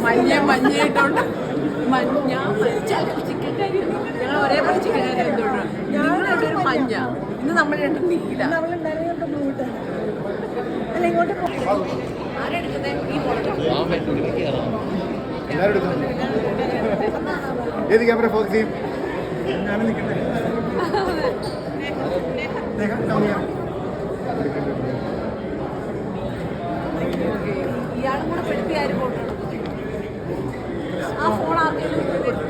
മഞ്ഞയായിട്ടുണ്ട്. Chicken കറി ഞങ്ങൾ ഒരേപോലെ chicken കറി എന്തുകൊണ്ട് ഞങ്ങളുടെ ഒരു മഞ്ഞ. ഇന്ന് നമ്മൾ രണ്ട് നീല. ആരെടുക്കുന്നേ? ഈ ഏത് ക്യാമറ ഫോക്കസ് ചെയ്യും? ഇയാളും കൂടെ പെടുത്തി ആരും ഫോട്ടോ എടുക്കും. ആ ഫോൺ ആർക്കെങ്കിലും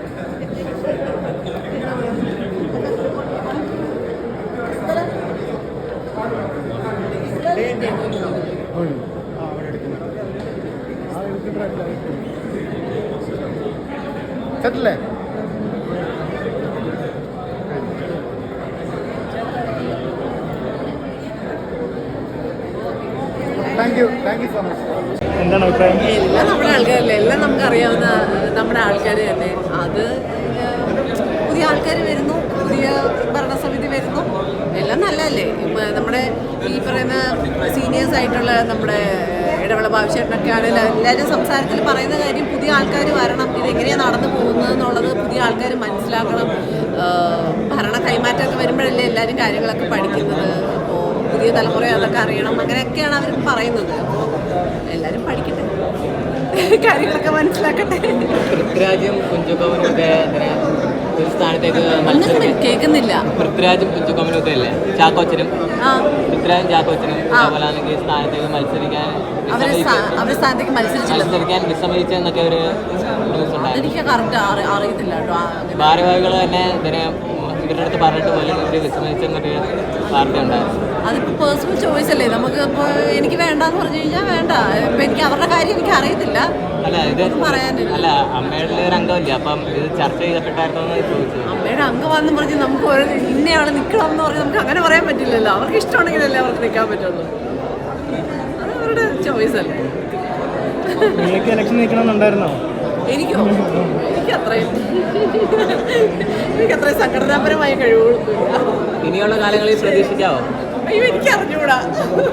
സെറ്റല്ലേ? Thank you so much. എന്താണ് അഭിപ്രായം? എല്ലാം നമ്മുടെ ആൾക്കാരല്ലേ, എല്ലാം നമുക്കറിയാവുന്ന നമ്മുടെ ആൾക്കാർ തന്നെ. അത് പുതിയ ആൾക്കാർ വരുന്നു, പുതിയ ഭരണസമിതി വരുന്നു, എല്ലാം നല്ലതല്ലേ. നമ്മുടെ ഈ പറയുന്ന സീനിയേഴ്സ് ആയിട്ടുള്ള നമ്മുടെ ഇടവേള ബാബുചേട്ടനൊക്കെ ആണെങ്കിലും എല്ലാവരും സംസാരത്തിൽ പറയുന്ന കാര്യം പുതിയ ആൾക്കാർ വരണം, ഇതെങ്ങനെയാണ് നടന്നു പോകുന്നത് എന്നുള്ളത് പുതിയ ആൾക്കാർ മനസ്സിലാക്കണം. ഭരണ കൈമാറ്റമൊക്കെ വരുമ്പോഴല്ലേ എല്ലാവരും കാര്യങ്ങളൊക്കെ പഠിക്കുന്നത്. അപ്പോൾ പുതിയ തലമുറ അതൊക്കെ അറിയണം, അങ്ങനെയൊക്കെയാണ് അവർ പറയുന്നത്. അപ്പോൾ എല്ലാവരും പഠിക്കട്ടെ, കാര്യങ്ങളൊക്കെ മനസ്സിലാക്കട്ടെ. പൃഥ്വിരാജും കുഞ്ചുക്കോമനുമൊക്കെ ഒരു സ്ഥാനത്തേക്ക് കേൾക്കുന്നില്ല. പൃഥ്വിരാജും കുഞ്ചുക്കോമനുമൊക്കെ അല്ലേ, ചാക്കോച്ചനും പൃഥ്വിരാജും ചാക്കോച്ചനും അതുപോലെ സ്ഥാനത്തേക്ക് മത്സരിക്കാൻ വിസമ്മതിച്ചെന്നൊക്കെ ഒരു ന്യൂസ് ഉണ്ടായിരുന്നു. അറിയത്തില്ല കേട്ടോ. ഭാരവാഹികൾ തന്നെ ഇതിനെ ഇവരുടെ അടുത്ത് പറഞ്ഞിട്ട് പോലും ഇവർ വിസമ്മതിച്ചെന്നൊരു വാർത്ത ഉണ്ടായിരുന്നു. അതിപ്പോൾ പേഴ്സണൽ ചോയ്സ് അല്ലേ. നമുക്ക് ഇപ്പോൾ എനിക്ക് വേണ്ടാന്ന് പറഞ്ഞു കഴിഞ്ഞാൽ വേണ്ട. ഇപ്പം എനിക്ക് അവരുടെ കാര്യം എനിക്ക് അറിയത്തില്ല. അല്ല ഇത് പറയാനില്ല. അല്ല അമ്മയുടെ ഒരു അംഗമല്ലേ, അപ്പം ഇത് ചർച്ച ചെയ്യപ്പെട്ടായിരുന്നോ എന്ന് ചോദിച്ചു. അമ്മയുടെ അംഗമാണെന്ന് പറഞ്ഞ് നമുക്ക് ഒരു ഇന്നയാൾ നിൽക്കണം എന്ന് പറഞ്ഞ് നമുക്ക് അങ്ങനെ പറയാൻ പറ്റില്ലല്ലോ. അവർക്ക് ഇഷ്ടമുണ്ടെങ്കിലല്ലേ അവർക്ക് നിൽക്കാൻ പറ്റുള്ളൂ. അത് അവരുടെ ചോയ്സ് അല്ലേ. നിങ്ങൾക്ക് ഇലക്ഷൻ നിൽക്കണമെന്നുണ്ടായിരുന്നോ? എനിക്കോ? എനിക്കത്രയും സംഘടനാപരമായ കഴിവുകളൊന്നുമില്ല. ഇനിയുള്ള കാലങ്ങളിൽ പ്രതീക്ഷിക്കാവോ? അയ്യോ, എനിക്ക് അറിഞ്ഞൂടാ.